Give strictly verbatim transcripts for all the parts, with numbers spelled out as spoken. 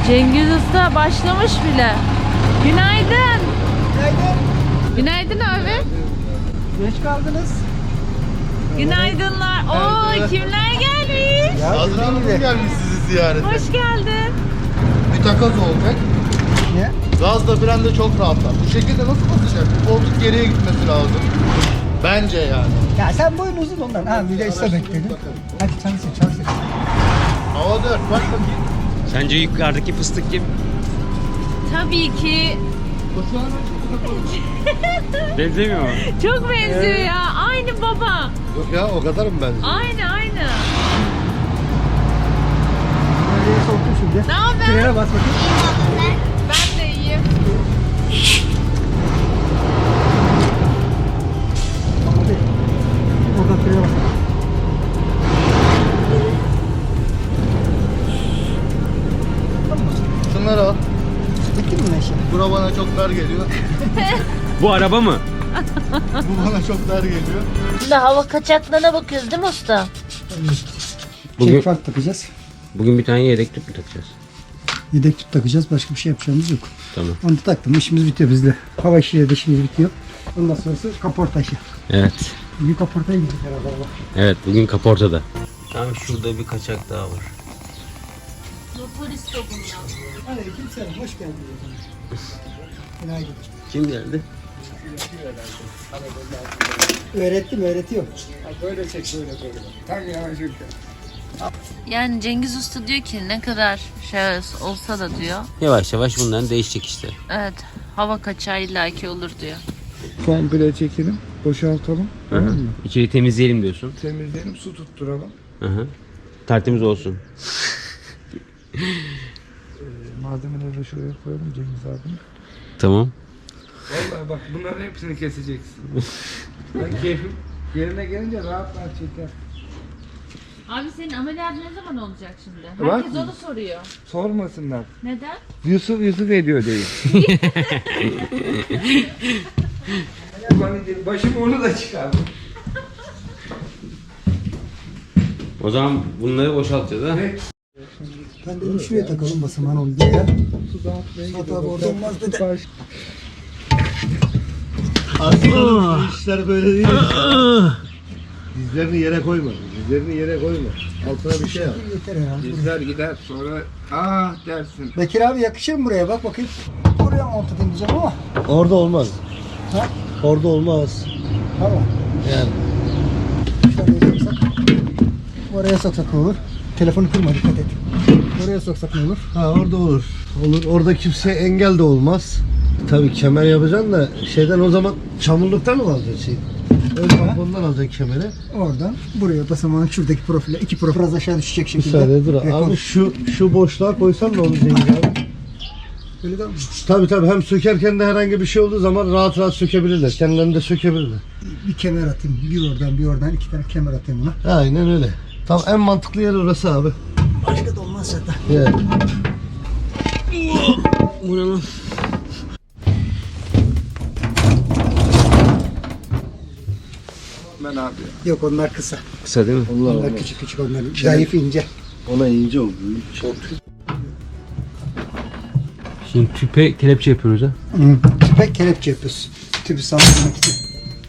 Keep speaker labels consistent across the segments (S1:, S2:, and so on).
S1: Cengiz Usta başlamış bile. Günaydın.
S2: Günaydın.
S1: Günaydın abi.
S2: Geç kaldınız.
S1: Günaydınlar. Oo, kimler gelmiş?
S3: Hazır Hanım gelmiş sizi ziyarete.
S1: Hoş geldin.
S3: Bir takoz olacak.
S2: Ne?
S3: Gaz da fren de çok rahatlar. Bu şekilde nasıl basacak? Bu koltuk geriye gitmesi lazım. Bence yani.
S2: Ya sen boyun uzun ondan. Ha bir de iste bekledin. Hadi çalışın çalışın.
S3: Hava dört. Bak bakayım.
S4: Sence yukarıdaki fıstık kim?
S1: Tabii ki
S4: Benzemiyor mu?
S1: çok benziyor ya. Aynı baba.
S3: Yok ya o kadar mı bence?
S1: Aynı aynı.
S2: Nereye soktun şimdi?
S1: Ne haber?
S2: Frene bas bakayım.
S1: Ben de iyiyim.
S2: Hadi. Oradan frene bas.
S3: Şunları al.
S2: Bitti mi Neşe?
S3: Bura bana çok dar geliyor.
S4: Bu araba mı?
S3: Bu bana çok dar geliyor.
S1: Şimdi hava kaçaklığına bakıyoruz değil mi usta?
S4: Bugün-
S2: Çek fark takacağız.
S4: Bugün bir tane yedek tüp mü takacağız?
S2: Yedek tüp takacağız. Başka bir şey yapacağımız yok.
S4: Tamam.
S2: Onu da taktım. İşimiz bitiyor bizde. Hava işiyle de işimiz bitiyor. Ondan sonrası kaporta işi.
S4: Evet.
S2: Bir kaportaya gidecek herhalde Allah.
S4: Evet bugün kaportada. Tam şurada bir kaçak daha var.
S1: Motorist o bundan.
S2: Aleyküm selam. Hoş geldin. Günaydın.
S4: Kim geldi?
S2: Öğrettim, öğretiyorum.
S1: Yani Cengiz Usta diyor ki ne kadar şahıs olsa da diyor.
S4: Yavaş yavaş bundan değişecek işte.
S1: Evet, hava kaçağı illaki olur diyor.
S5: Komple çekelim, boşaltalım,
S4: Hı hı. İçeri temizleyelim diyorsun.
S5: temizleyelim, su tutturalım.
S4: Hı hı. Tertemiz olsun.
S5: Ee, malzemeleri de şuraya koyalım Cengiz abi.
S4: Tamam.
S5: Vallahi bak bunların hepsini keseceksin. Ben keyfim yerine gelince rahat rahat çeker.
S1: Abi senin ameliyat ne zaman olacak şimdi?
S5: Var
S1: Herkes
S5: mı?
S1: onu soruyor.
S5: Sormasınlar.
S1: Neden?
S5: Yusuf Yusuf ediyor değil. Başım onu da çıkardım.
S4: O zaman bunları boşaltacağız ha.
S5: Evet.
S2: Ben dedim şuraya takalım basaman oldu diye.
S5: Su dağıtmaya
S2: Suat
S5: gidiyor.
S2: abi orada olmaz dedi.
S5: Baş...
S3: Aslında bu işler böyle değil. Dizlerini yere koyma. Dizlerini yere koyma. Altına bir şey al.
S2: Yeter herhalde.
S5: Gider gider sonra ah dersin.
S2: Bekir abi yakışır mı buraya? Bak bakayım. Buraya monte edeceğim ama.
S3: Orada olmaz.
S2: Ha?
S3: Orada olmaz.
S2: Tamam.
S3: Yani.
S2: Şöyle soksak. Oraya soksak ne olur? Telefonu kırma dikkat et. Oraya soksak ne olur?
S3: Ha orada olur. Olur. Orada kimseye engel de olmaz. Tabii kemer yapacaksın da şeyden o zaman çamurluktan mı alacaksın şey? Ön tampondan alacaksın kemeri.
S2: Oradan buraya basamağın şuradaki profile, iki profil biraz aşağı düşecek şekilde.
S3: Müsaade dur.
S2: Rekor.
S3: Abi şu şu boşluğa koysan ne olur Cengiz abi?
S2: Öyle değil mi?
S3: Tabii tabii hem sökerken de herhangi bir şey olduğu zaman rahat rahat sökebilirler. Kendilerini de sökebilirler.
S2: Bir kemer atayım. Bir oradan bir oradan iki tane kemer atayım buna.
S3: Aynen öyle. Tamam en mantıklı yer orası abi.
S2: Başka da olmaz zaten.
S3: Evet.
S4: Bu ne lan?
S5: Ben abi.
S2: Yok onlar kısa.
S4: Kısa değil mi?
S2: Onlar küçük küçük onlar. Zayıf ince.
S3: Ona ince oldu. Çok.
S4: Şimdi tüpe kelepçe yapıyoruz ha.
S2: Hı. Tüpe kelepçe yapıyoruz. Tüpü sallamak için.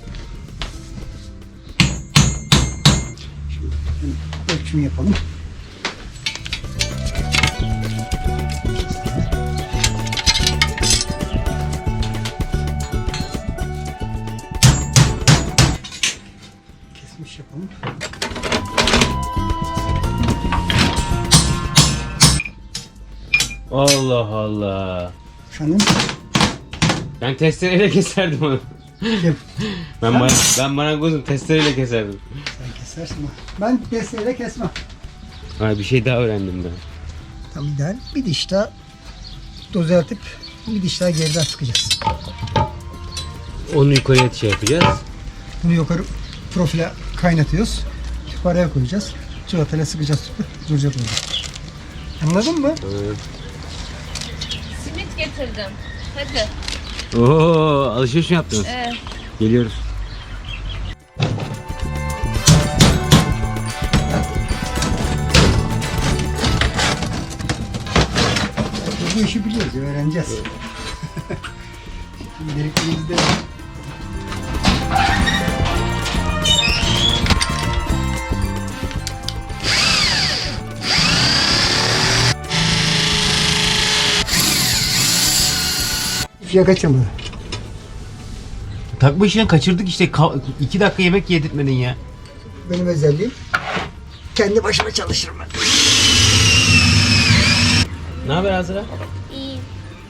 S2: Şimdi ölçümü yapalım. Kesmiş yapalım.
S4: Allah Allah.
S2: Efendim?
S4: Ben testereyle keserdim onu.
S2: Kim?
S4: Ben bana, ben marangozum testereyle keserdim.
S2: Sen kesersin ama. Ben desteğiyle kesmem.
S4: Ha, bir şey daha öğrendim ben.
S2: Tam ideal. Bir diş daha düzeltip bir diş daha geriden sıkacağız.
S4: Onu yukarıya şey yapacağız.
S2: Bunu yukarı profile kaynatıyoruz. Tüpü araya koyacağız. Çikolatayla sıkacağız tüpü. Duracak orada. Anladın mı?
S1: Simit getirdim. Hadi.
S4: Oo, alışveriş mi yaptınız?
S1: Evet.
S4: Geliyoruz.
S2: bu işi biliyoruz ya, öğreneceğiz. Birikimizde ya kaçamadı.
S4: Takma işini kaçırdık işte. Ka- iki dakika yemek yedirtmedin ya.
S2: Benim özelliğim kendi başıma çalışırım ben.
S4: Ne haber Azra?
S6: İyi.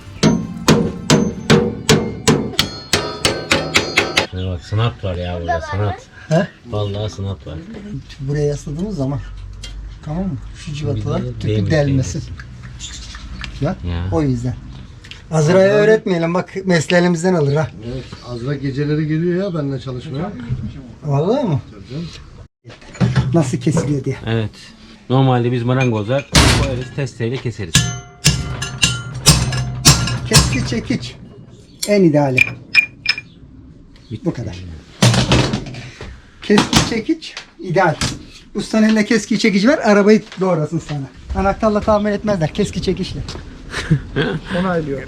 S4: Şuna bak, sanat var ya burada, sanat.
S2: He?
S4: Vallahi sanat var.
S2: Buraya yasladığımız zaman, tamam mı? Şu civatalar
S4: Bir de
S2: tüpü
S4: değmiş,
S2: delmesin. Ya,
S4: Ya.
S2: o yüzden. Azra'ya öğretmeyelim, bak mesleğimizden alır ha.
S3: Evet, Azra geceleri geliyor ya benimle çalışmaya.
S2: Vallahi mı? Nasıl kesiliyor diye.
S4: Evet. Normalde biz marangozlar koyarız, testereyle keseriz.
S2: Keski çekiç. En ideali. Bu kadar. Keski çekiç ideal. Ustanın elinde keski çekiç ver, arabayı doğrasın sana. Anahtarla tamir etmezler, keski çekiçle. Onaylıyor.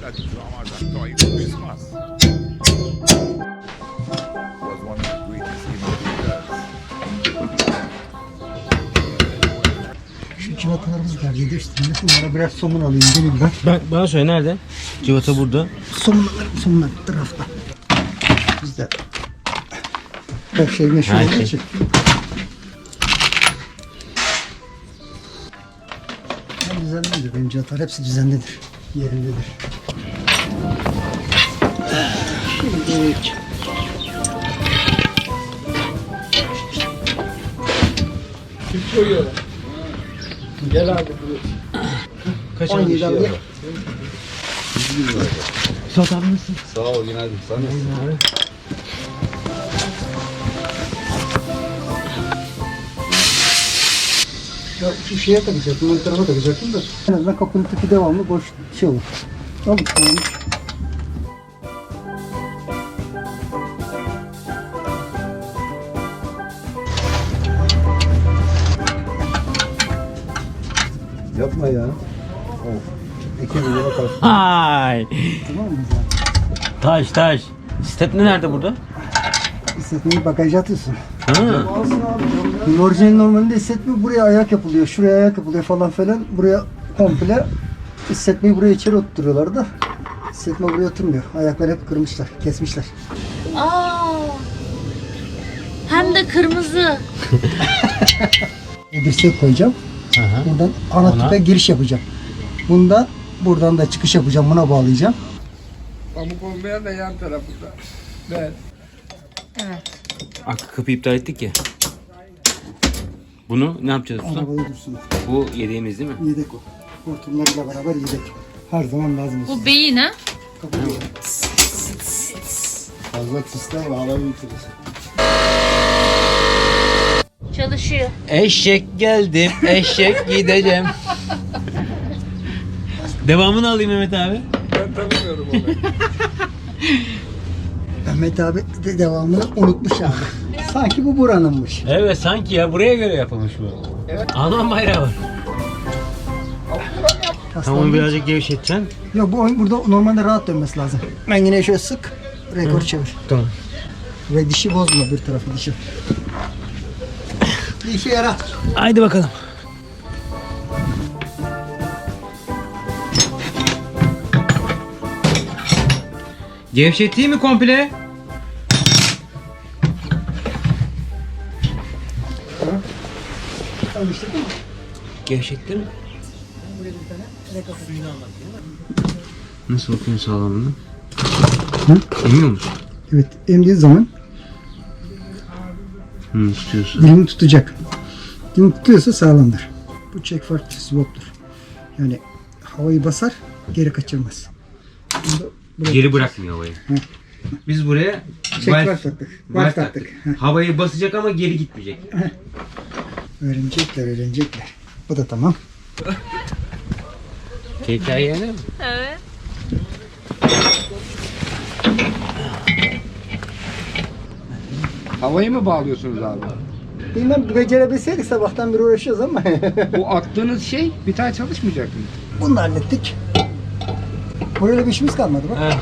S2: Şu civatalarımız neredeydi üstünde? Bunlara biraz somun alayım gelin ben.
S4: Ben, bana söyle nerede? Civata burada.
S2: Somunlar, somunlar tarafta. Bizde her şey meşhur
S4: Her
S2: olduğu
S4: şey.
S2: için. Ben düzenlidir. Benim cihazlar hepsi düzenlidir. Yerindedir. Şimdi
S5: Kim koyuyorlar? Gel abi.
S4: Kaç
S2: on yedi alıyor.
S4: Suat abi nasılsın?
S5: Sağ ol günaydın. Sana.
S2: Ya şu şeye takacaktım, ön tarafa takacaktım da en azından kapının tipi devamlı boş şey olur. Al tamam.
S3: Yapma ya.
S2: Ekmeğe bakarsın.
S4: Hay!
S2: Tamam mı zaten?
S4: Taş taş. Stepne nerede burada?
S2: İstetmeyi bagaja atıyorsun.
S4: Ha.
S2: Orijinal normalde hissetme buraya ayak yapılıyor, şuraya ayak yapılıyor falan filan. Buraya komple hissetmeyi buraya içeri oturtuyorlar da hissetme buraya oturmuyor. Ayakları hep kırmışlar, kesmişler.
S6: Aa. Hem de kırmızı.
S2: Bir dirsek koyacağım.
S4: Aha.
S2: Buradan ana
S4: Ona.
S2: tüpe giriş yapacağım. Bundan buradan da çıkış yapacağım. Buna bağlayacağım.
S5: Pamuk olmayan da yan tarafında. Ben.
S4: Arka kapıyı iptal ettik ya. Bunu ne yapacağız usta?
S2: Arabada dursun.
S4: Bu yediğimiz değil mi?
S2: Yedek o. Hortumlarıyla beraber yedek. Her zaman lazım olsun.
S1: Bu beyin ha?
S2: Kapıyı.
S3: Fazla tıslar ve havayı bitirirsin.
S6: Çalışıyor.
S4: Eşek geldim, eşek gideceğim. Devamını alayım Mehmet abi.
S5: Ben tanımıyorum onu.
S2: Mehmet abi de devamını unutmuş abi. Sanki bu buranınmış.
S4: Evet sanki ya buraya göre yapılmış bu. Evet. Alman bayrağı var. Tamam birazcık gevşeteceksin.
S2: Yok bu oyun burada normalde rahat dönmesi lazım. Ben yine şöyle sık, rekor çevir.
S4: Tamam.
S2: Ve dişi bozma bir tarafı dişi. Bir işe yarar.
S4: Haydi bakalım. Gevşeteyim mi komple?
S2: Alıştık mı?
S4: Gevşettin mi? Nasıl bakıyorsun sağlamlığına?
S2: Hı?
S4: Emiyor musun?
S2: Evet, emdiği zaman
S4: Hı, tutuyorsun.
S2: dilini tutacak. Dilini tutuyorsa sağlamdır. Bu check fark swap'tur. Yani havayı basar, geri kaçırmaz. Bunda buraya-
S4: Geri bırakmıyor havayı. Biz buraya
S2: Check
S4: valve-
S2: fark taktık.
S4: valve
S2: Valve taktık. Heh.
S4: Havayı basacak ama geri gitmeyecek.
S2: Öğrenecekler, öğrenecekler. Bu da tamam.
S4: K K Y N mi?
S6: Evet.
S5: Havayı mı bağlıyorsunuz abi?
S2: Bilmem becerebilseydik sabahtan beri uğraşıyoruz ama
S5: Bu attığınız şey bir tane çalışmayacak mı?
S2: bunu da hallettik. Burayla bir işimiz kalmadı bak.
S4: Evet.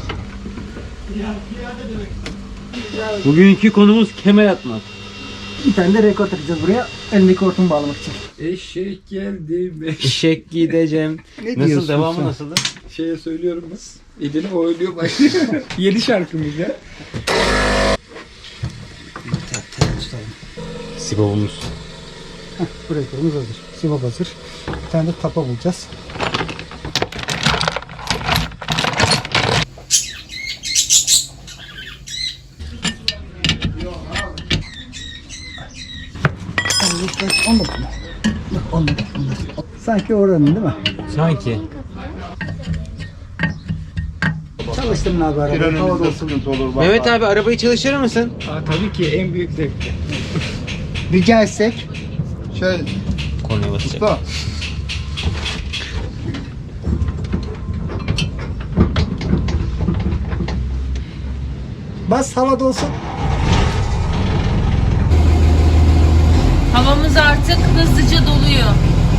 S4: Bugünkü konumuz kemer atmak.
S2: Bir tane de rekor takacağız buraya. Elindeki hortumu bağlamak için.
S5: Eşek geldi be.
S4: Eşek gideceğim.
S2: Ne
S4: Nasıl,
S2: diyorsun
S4: devamı
S2: sen?
S4: nasıldı?
S5: Şeye söylüyorum bas. Elini oynuyor başlıyor. Yeni şarkımız ya.
S4: Sibavumuz.
S2: Bu rekorumuz hazır. Sivap hazır. Bir tane de tapa bulacağız. on dokuz mu? Yok on dokuz. Sanki oranın değil mi?
S4: Sanki.
S2: Çalıştım abi arabayı. Havada olsun.
S4: Mehmet abi arabayı çalıştırır mısın?
S5: Aa, tabii ki en büyük zevkli.
S2: Bir gelsek.
S3: Şey,
S4: Kornaya basacak.
S3: usta.
S2: Bas havada olsun.
S1: Havamız artık hızlıca doluyor.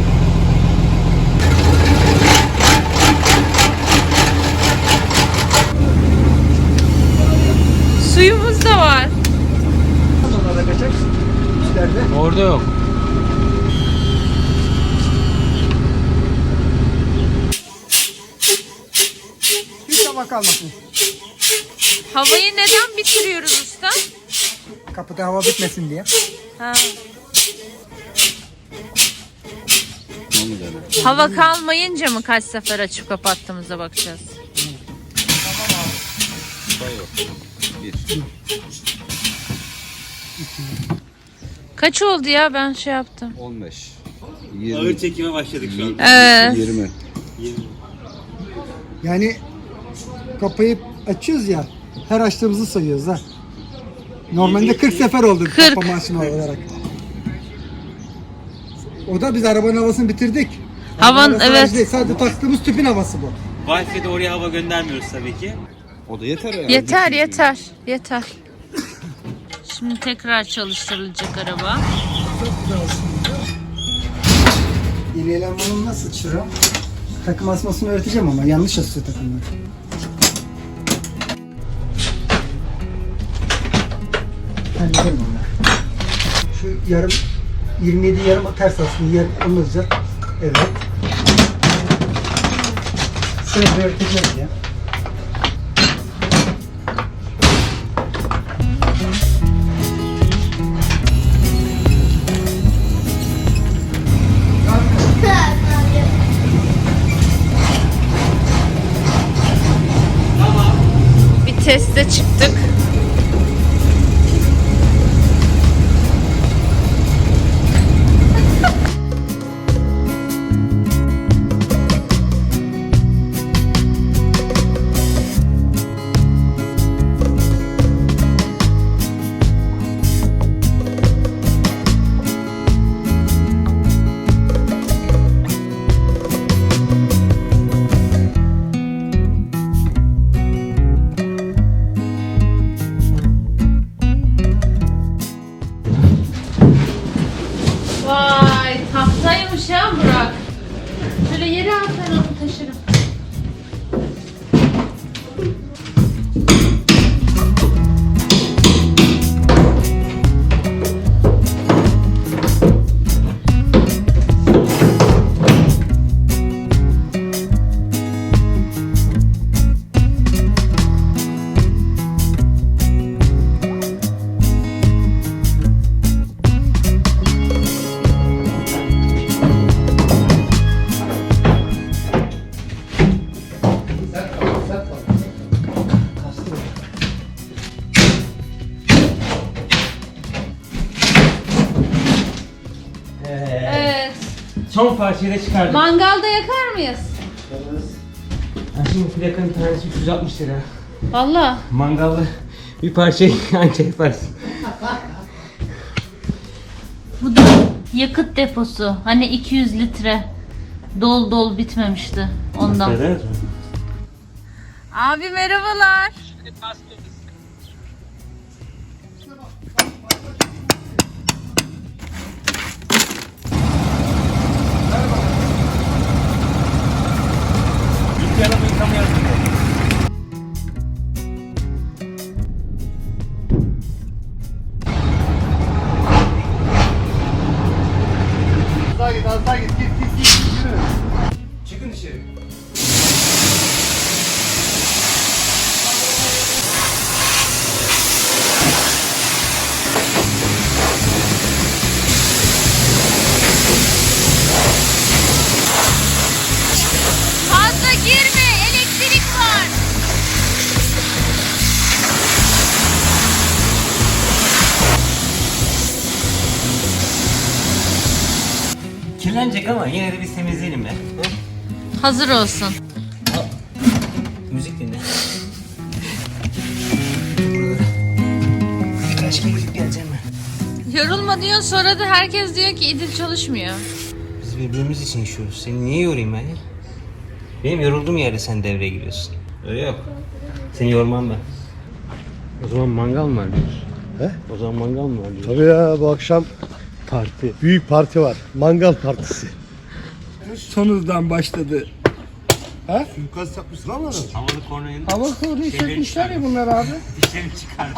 S1: Suyumuz da var.
S2: Sonra da kaçak. Üstlerde.
S4: Orada yok.
S2: Hiç hava kalmasın.
S1: Havayı neden bitiriyoruz usta?
S2: Kapıda hava bitmesin diye.
S1: Ha. Hava kalmayınca mı kaç sefer açıp kapattığımıza bakacağız? Kaç oldu ya, ben şey yaptım.
S7: on beş.
S4: Ağır çekime başladık şu an.
S1: Evet.
S7: yirmi.
S2: Yani kapıyı açıyoruz ya. Her açtığımızı sayıyoruz ha. Normalde kırk sefer oldu
S1: kırk.
S2: kapama açma olarak. O da biz arabanın havasını bitirdik.
S1: Havan,
S2: Arabanın havası
S1: evet.
S2: değil, sadece taktığımız tüpün havası bu.
S4: Wi-Fi'de oraya hava göndermiyoruz tabii ki.
S7: O da yeter herhalde.
S1: Yeter yeter yeter. Şimdi tekrar çalıştırılacak araba.
S2: Yeni elemanım nasıl çıra? Takım asmasını öğreteceğim ama yanlış asıyor takımları. Hallederim onları. Şu yarım yirmi yedi yarım ters aslında yarım onu olacak. Evet. Sırada öğreteceğiz ya.
S1: Bir teste çıktık. Vay, tahtaymış ha Burak. Şöyle yere at, ben onu taşırım. Evet.
S4: Son parçayı da çıkardık.
S1: Mangalda yakar mıyız?
S4: Ha, şimdi plakanın tanesi üç yüz altmış lira.
S1: Valla.
S4: Mangalda bir parçayı anca yaparsın.
S1: Bu da yakıt deposu. Hani iki yüz litre. Dol dol bitmemişti ondan.
S4: Evet.
S1: Abi merhabalar.
S4: Bir araba yıkamayalım. Kirlenecek ama yine de biz temizleyelim be.
S1: Hazır olsun.
S4: Müzik dinle.
S5: Birkaç kere gidip geleceğim ben.
S1: Yorulma diyor, sonra da herkes diyor ki İdil çalışmıyor.
S4: Biz birbirimiz için yaşıyoruz. Seni niye yorayım ben ya? Benim yorulduğum yerde sen devreye giriyorsun. Öyle yok. Seni yormam ben. O zaman mangal mı var diyorsun?
S3: He?
S4: O zaman mangal mı var diyorsun?
S3: Tabii ya bu akşam
S4: Parti.
S3: büyük parti var. Mangal partisi.
S5: Son hızdan başladı. Ha?
S3: Suikast yapmışsın ama adam.
S4: Havalı kornayın.
S5: Hava koruyu çekmişler ya bunlar abi.
S4: Dişlerini çıkardı.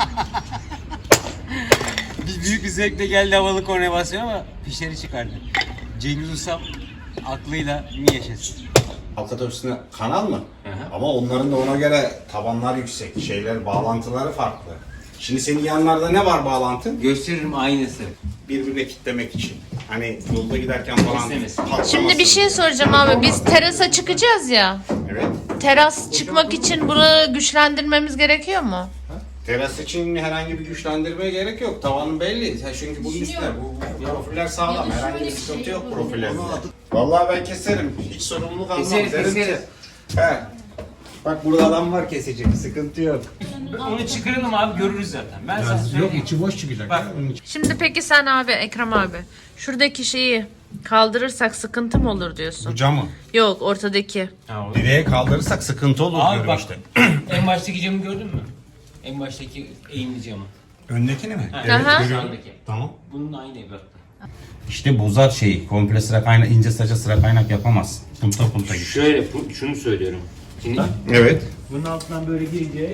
S4: Biz büyük bir zevkle geldi havalı kornaya basıyor ama fişleri çıkardı. Cengiz Usam aklıyla mi yaşasın?
S7: Halk otobüsüne kanal mı? Ama onların da ona göre tabanlar yüksek, şeyler, bağlantıları farklı. Şimdi senin yanlarda ne var bağlantın?
S4: Gösteririm aynısı.
S7: Birbirine kitlemek için. Hani yolda giderken falan
S4: İstemesin.
S7: patlamasın.
S1: Şimdi bir şey soracağım abi. Biz terasa çıkacağız ya.
S7: Evet.
S1: Teras çıkmak için bunu güçlendirmemiz gerekiyor mu?
S7: Teras için herhangi bir güçlendirmeye gerek yok. Tavanın belli. Sen çünkü bunun üstüne. Bu, bu profiller sağlam. Herhangi bir sıkıntı yok profillerinde. Vallahi ben keserim. Hiç sorumluluk almam.
S4: Keseriz,
S7: Derim ki,
S4: keseriz.
S7: He. Bak burada adam var kesecek. Sıkıntı yok.
S4: Onu çıkaralım abi görürüz zaten. Ben sana söyleyeyim.
S5: Yok içi boş çıkacak.
S4: Bak
S1: Şimdi peki sen abi, Ekrem abi, şuradaki şeyi kaldırırsak sıkıntı mı olur diyorsun?
S7: Bu camı.
S1: Yok, ortadaki.
S7: Direğe kaldırırsak sıkıntı olur
S4: Abi
S7: diyorum
S4: bak
S7: işte.
S4: en baştaki camı gördün mü? En baştaki eğimli camı.
S7: Öndekini mi?
S4: Ha,
S1: Evet, Aha.
S4: şu andaki.
S7: Tamam.
S4: Bunun aynı ebatta.
S7: İşte bozar şeyi. Komple sıra kaynak, ince saça sıra kaynak yapamaz. Punta punta gibi.
S4: Şöyle bu- şunu söylüyorum. Şimdi
S7: Evet.
S4: bunun altından böyle girince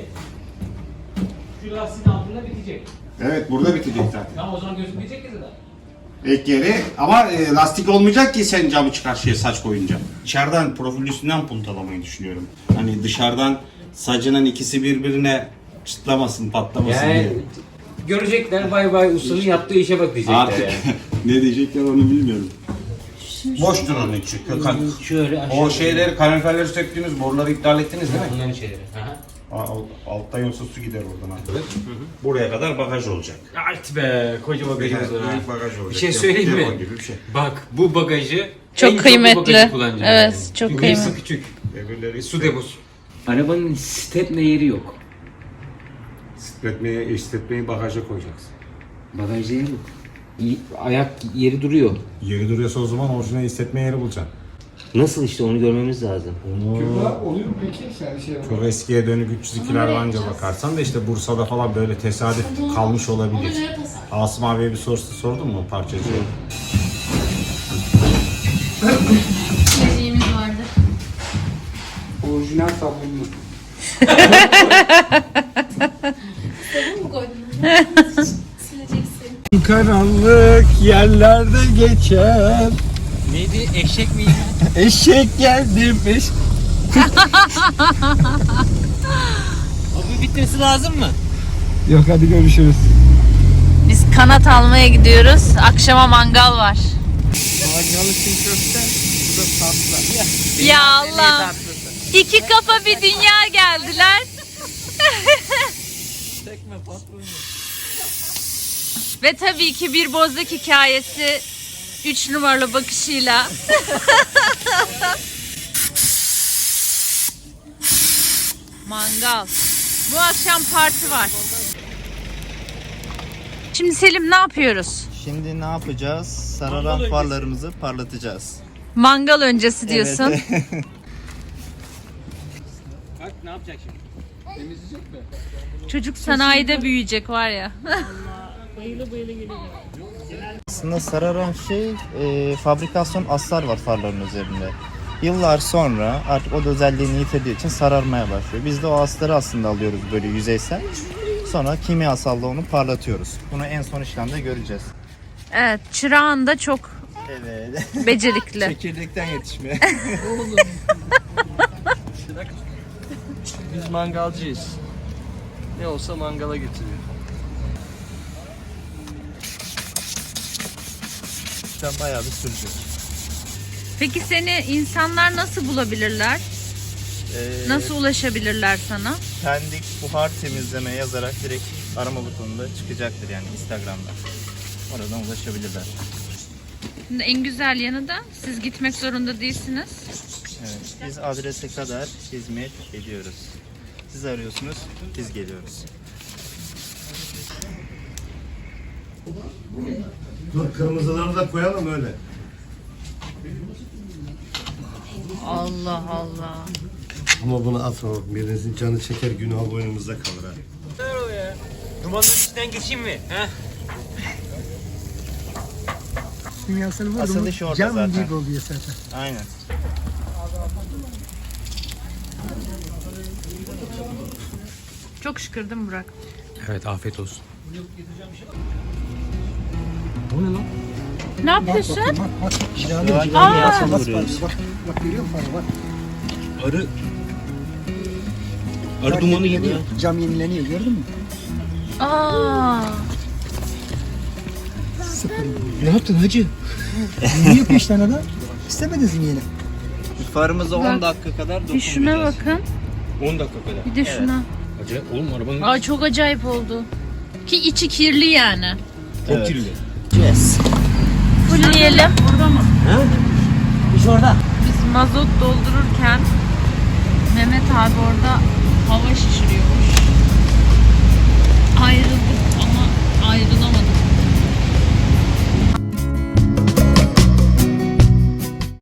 S4: şu lastiğin altında bitecek.
S7: Evet burada bitecek zaten.
S4: Tamam o zaman gözükmeyecek ki zaten.
S7: Ek yeri ama e, lastik olmayacak ki sen camı çıkarşıya saç koyunca. İçeriden profil üstünden puntalamayı düşünüyorum. Hani dışarıdan sacının ikisi birbirine çıtlamasın, patlamasın
S4: Yani
S7: diye.
S4: görecekler bay bay ustanın yaptığı işe bak diyecekler
S7: Artık
S4: yani.
S7: ne diyecekler onu bilmiyorum. Boştur onun içi. Ka-
S4: Şöyle aşağı.
S7: O şeyleri, kaloriferleri söktüğünüz boruları iptal ettiniz değil mi?
S4: Bunların şeyleri. Aha.
S7: Aa, Altta yoksa su gider oradan abi. Buraya kadar bagaj olacak.
S4: Art be koca bagajımız var. ha.
S7: Büyük bagaj olacak.
S4: Bir şey söyleyeyim mi?
S7: Depo gibi bir şey.
S4: Bak bu bagajı
S1: Çok
S4: en
S1: kıymetli.
S4: bu bagajı kullanacağım
S1: Evet,
S4: yani.
S1: çok
S4: Çünkü
S1: kıymetli.
S4: hepsi küçük.
S7: Öbürleri
S4: Su deposu. Arabanın stepne yeri yok.
S7: Stretmeyi, istretmeyi bagaja koyacaksın.
S4: Bagaj yeri yok. İyi- Ayak yeri duruyor.
S7: Yeri duruyorsa o zaman orijinal hissetme yeri bulacaksın.
S4: Nasıl işte onu görmemiz lazım.
S5: Kübra oluyor mu peki? Sen şey
S7: Çok eskiye dönük üç yüz ikiler anca bakarsan da işte Bursa'da falan böyle tesadüf kalmış olabilir. Asım abiye bir sorusu sordun mu parçacıya?
S1: Şeyimiz vardı.
S5: orijinal sabunlu. Karanlık yerlerde geçer.
S4: Neydi? Eşek miydi?
S5: Eşek geldimiş.
S4: Abi bitmesi lazım mı?
S5: Yok hadi görüşürüz.
S1: Biz kanat almaya gidiyoruz. Akşama mangal var.
S5: Mangalı çiğ köfte. Bu da tatlı.
S1: Ya Allah. İki kafa bir dünya geldiler.
S5: Tekme patron.
S1: Ve tabii ki bir bozlak hikayesi üç numaralı bakışıyla. Mangal. Bu akşam parti var. Şimdi Selim ne yapıyoruz?
S8: Şimdi ne yapacağız? Sararan farlarımızı parlatacağız.
S1: Mangal öncesi diyorsun.
S8: Evet.
S4: Bak ne yapacak şimdi?
S1: Çocuk sanayide büyüyecek var ya.
S8: Aslında sararan şey e, fabrikasyon aslar var farların üzerinde. Yıllar sonra artık o da özelliğini yitirdiği için sararmaya başlıyor. Biz de o asları aslında alıyoruz böyle yüzeysel. Sonra kimyasalla onu parlatıyoruz. Bunu en son işlemde göreceğiz.
S1: Evet, çırağın da çok
S8: Evet.
S1: becerikli.
S8: Çekirdekten yetişme.
S5: Biz mangalcıyız. Ne olsa mangala getiriyor.
S8: Sen bayağı bir sürecek.
S1: Peki seni insanlar nasıl bulabilirler?
S8: Ee,
S1: Nasıl ulaşabilirler sana?
S8: Pendik buhar temizleme yazarak direkt arama butonunda çıkacaktır yani Instagram'da. Oradan ulaşabilirler.
S1: Şimdi en güzel yanı da siz gitmek zorunda değilsiniz.
S8: Evet, biz adrese kadar hizmet ediyoruz. Siz arıyorsunuz, biz geliyoruz.
S3: Dur kırmızıları da koyalım öyle.
S1: Allah Allah.
S3: Ama bunu atma bak birinizin canı çeker günah boynumuzda kalır ha.
S4: Dumanın içinden geçeyim mi? He?
S2: Kimyasal var
S8: Asıl
S2: mı?
S8: iş orada
S2: Cam
S8: zaten.
S2: gibi oluyor zaten.
S8: Aynen.
S1: Çok şükür değil mi Burak?
S4: Evet afiyet olsun.
S1: Ne yapıyorsun?
S2: Bak bak. Cilalı
S8: Şu an
S2: cilalı.
S8: kimyasal
S2: Bak,
S8: vuruyoruz.
S2: Bak bak görüyor musun? Bak.
S4: Arı... Arı dumanı gibi ya.
S2: Cam yenileniyor gördün mü?
S1: Aa.
S4: Ne yaptın hacı?
S2: Yeni yapıyor işte adam. İstemediniz mi yeni?
S8: Farımıza
S1: Bak,
S8: on dakika kadar
S1: Bir şuna
S8: dokunmayacağız.
S1: bakın.
S4: on dakika kadar.
S1: Bir de şuna.
S4: Hacı oğlum arabanın
S1: Aa çok acayip oldu. Ki içi kirli yani.
S4: çok
S8: Evet.
S4: kirli.
S8: Yes.
S1: Fullleyelim.
S2: İş orada.
S1: Biz mazot doldururken Mehmet abi orada hava şişiriyormuş.